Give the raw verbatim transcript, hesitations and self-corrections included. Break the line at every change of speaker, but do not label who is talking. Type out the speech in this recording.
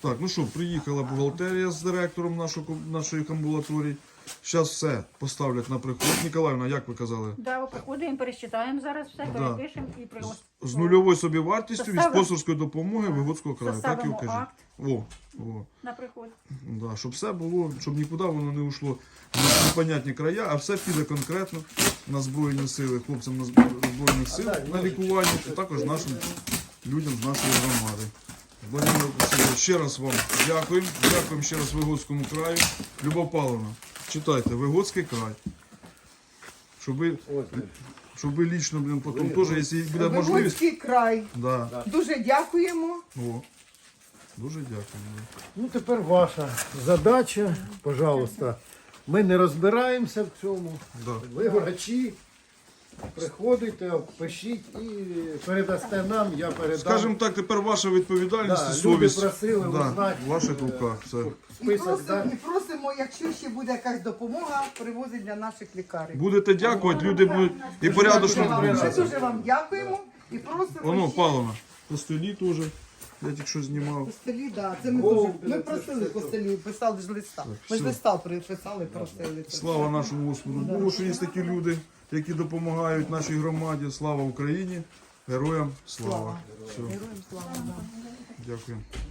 Так, ну що, приїхала бухгалтерія з директором нашого, нашої амбулаторії. Зараз все поставлять на приход. Ніколаївна, як ви казали?
Да, приходимо, пересчитаємо зараз все,
Да.
перепишемо і приготуємо.
З нульовою собівартістю від
Составимо-
спонсорської допомоги Вигодського краю. Так і
Составимо
вкажіть.
акт
О, о.
на приход.
Да, щоб все було, щоб нікуди воно не йшло в непонятні края, а все піде конкретно на Збройні сили, хлопцям на Збро- Збройних сил на лікування, і також нашим людям з нашої громади. Владимир Васильович, ще раз вам дякуємо. Дякуємо ще раз Вигодському краю. Любов Павловна, читайте, Вигодський край. Щоб ви, щоб ви лічно, блін, потім теж, якщо буде можливість.
Вигодський край.
Да.
Дуже дякуємо.
О, дуже дякуємо.
Ну, тепер ваша задача, пожалуйста. Ми не розбираємося в цьому.
Да.
Ви врачі, приходите, пишіть і передасте нам, я передам.
Скажімо так, тепер ваша відповідальність
Да,
і
люди
совість
просили
да,
узнати,
в ваших руках. Все.
І
Список,
просимо,
да?
і просимо, якщо ще буде якась допомога, привозить для наших лікарів.
Будете дякувати, люди будуть і порядочно
Ми
відносяться.
дуже вам дякуємо і просимо.
Воно,
ще-
Павловна, костелі теж, я тільки що знімав.
Костелі, да, це ми
О,
дуже. Ми просили костелі, писали ж листа. Ми ж
все.
листа приписали, просили. це.
Слава нашому Господу Богу, що є такі люди, які допомагають нашій громаді. Слава Україні, героям слава. Все,
Героям слава. да.
дякую.